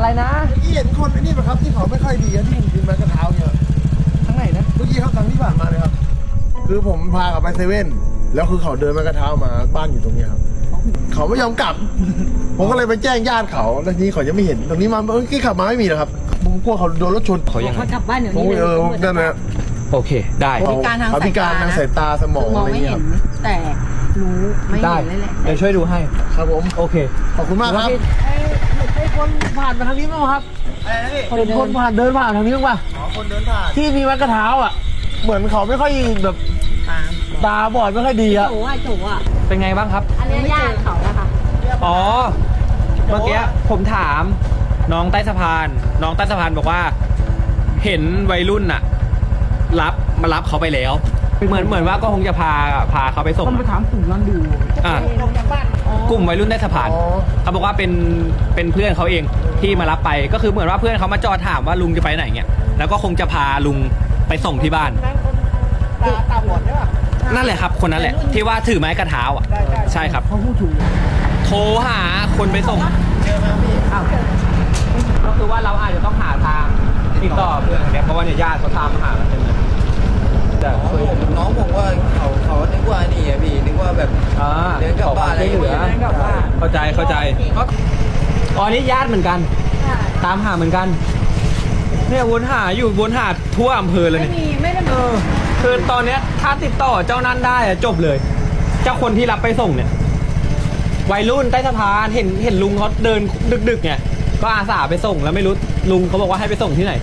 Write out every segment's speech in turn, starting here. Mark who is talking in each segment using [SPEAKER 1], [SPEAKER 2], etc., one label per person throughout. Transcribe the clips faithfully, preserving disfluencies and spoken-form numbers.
[SPEAKER 1] อะไรนะ
[SPEAKER 2] เมื่อกี้เห็นคนไอ้นี่ป่ะครับที่เขาไม่ค่อยดีที่ผมยืนมากระเท้าเนี่ย
[SPEAKER 1] ทั้งไหนนะ
[SPEAKER 2] เมื่อกี้ครับทางที่ผ่านมาเลยครับคือผมพากลับไปเซเว่นแล้วคือเขาเดินมากระเท้ามาบ้านอยู่ตรงนี้ครับเขาไม่ยอมกลับผมก็เลยไปแจ้งญาติเขาแล้วทีนี้เขายังไม่เห็นตรงนี้มาเมื่อกี้ขับมาไม่มีหรอกครับผมกลัวเขาโดนรถชน
[SPEAKER 1] เขายังไง
[SPEAKER 3] เขากลับบ้านเดี๋ยว
[SPEAKER 2] โอ้
[SPEAKER 3] นี้
[SPEAKER 2] ย
[SPEAKER 3] เลย
[SPEAKER 2] เออนั่นแหละ
[SPEAKER 1] โอเคได้
[SPEAKER 3] พิการทาง
[SPEAKER 2] เขาพิการทางสายตาสม
[SPEAKER 3] ส
[SPEAKER 2] อง
[SPEAKER 3] มอ
[SPEAKER 2] อะ
[SPEAKER 3] ง
[SPEAKER 2] ไร
[SPEAKER 3] ไม่
[SPEAKER 2] เงี้ย
[SPEAKER 3] เห็
[SPEAKER 2] คน รับ
[SPEAKER 3] แต่รู้ไม่เห็นเลยแหละ
[SPEAKER 1] เดี๋ยวช่วยดูให้
[SPEAKER 2] ครับผม
[SPEAKER 1] โอเค
[SPEAKER 2] ขอบคุณมากครับ
[SPEAKER 1] ให้คนผ่านมาทางนี้บ้างครับเห็นคนผ่านเดินผ่านทางนี้บ้างป่ะ
[SPEAKER 2] อ๋อคนเดินผ่าน
[SPEAKER 1] ที่มีไม้กระเท้าอ่ะเหมือนเขาไม่ค่อยแบบ
[SPEAKER 3] ตาม
[SPEAKER 1] ตาบอดไม่ค่อยดีอ่ะ
[SPEAKER 3] โจ้อะโจ้อะ
[SPEAKER 1] เป็นไงบ้างครับ
[SPEAKER 3] อันนี้ญาติเขาอะค่ะ
[SPEAKER 4] อ๋อ เมื่อกี้ผมถามน้องใต้สะพาน น้องใต้สะพานบอกว่า เห็นวัยรุ่นน่ะ รับมารับเขาไปแล้ว เหมือนเหมือนว่าก็คงจะพาพาเขาไปส่ง
[SPEAKER 1] ต้องไปถามกลุ่มนั้นดู
[SPEAKER 4] อ่ะกลุ่มวัยรุ่นใต้สะพาน
[SPEAKER 2] อ๋อ
[SPEAKER 4] เขาบอกว่าเป็นเป็นเพื่อนเขาเองที่มารับไป ก็คือเหมือนว่าเพื่อนเขามาจอดถามว่าลุงจะไปไหนเงี้ยแล้วก็คงจะพาลุงไปส่งที่บ้าน
[SPEAKER 1] ตาตาบอดใช่ป่ะ
[SPEAKER 4] นั่นแหละครับ คนนั้นแหละ ที่ว่าถือไม้กระเท้าอ่ะ ใช่ครับ
[SPEAKER 1] เขาพูดถูก
[SPEAKER 4] โทรหาคนไปส่ง
[SPEAKER 1] อ้าว
[SPEAKER 4] ก็คือว่าเราอาจจะต้องหาทางติดต่อเพื่อนเนี่ยเพราะว่าเนี่ยญาติเขาตามมาหาเราเต็มเลยแต่คุย
[SPEAKER 5] น้องบอกว่าเขาเขานึกว่านี่อะพี่นึกว่าแบบ
[SPEAKER 4] อ่า
[SPEAKER 5] เดินกลับบ้านอะไรอย่างเงี้ย
[SPEAKER 4] เดินกลับบ้านเข้าใจเข้าใจอ๋อนี่ญาติเหมือนกัน ตามหาเหมือนกัน เนี่ยวนหาอยู่วนหาทั่วอำเภอเลย
[SPEAKER 3] ไม่
[SPEAKER 4] เนี่ย
[SPEAKER 3] มีไม่ได้
[SPEAKER 4] เอ
[SPEAKER 3] มี
[SPEAKER 4] อคือตอนเนี้ยถ้าติดต่อเจ้านั้นได้อะจบเลย เจ้าคนที่รับไปส่งเนี่ยวัยรุ่นใต้สะพานเห็นเห็นลุงเขาเดินดึกๆไงก็อาสาไปส่งแล้วไม่รู้ลุงเขาบอกว่าให้ไปส่งที่ไหน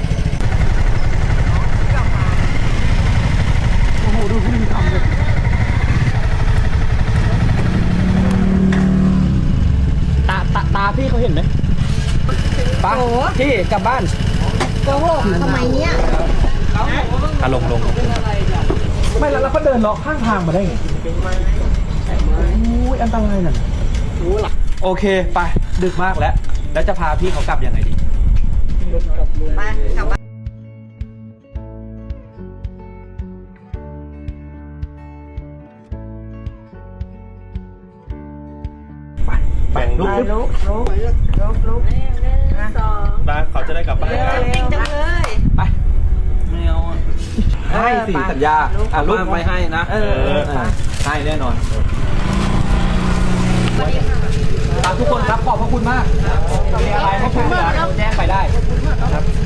[SPEAKER 1] โอ้โหดูพฤติกรรมเลย
[SPEAKER 4] ตาตาตาพี่เขาเห็นไหมป้าพี่กลับบ้าน
[SPEAKER 3] โกหกทำไมเนี้ย
[SPEAKER 4] อ่ะลงลง
[SPEAKER 1] ไม่แล้วแล้วเขาเดินเลาะข้างทางมาได้ไงอุ้ยอันตรายน่ะ
[SPEAKER 4] โอเคไปดึกมากแล้ว แล้วจะพาพี่เขากลับยังไงดี
[SPEAKER 3] มากลับบ้าน
[SPEAKER 4] แบ่งลูก
[SPEAKER 3] ลุกลุกลุกลุกหนึ่งสอง
[SPEAKER 4] บ้านเขาจะได้กลับบ้านกัน
[SPEAKER 3] จริงจังเลย
[SPEAKER 4] ไปไม่เอาให้สิสัญญาอ่ะลูกไปให้นะเออให้แน่นอนครับทุกคนครับขอบพระคุณมากมีอะไรให้ช่วยเหลือแจ้งไปได้ครับ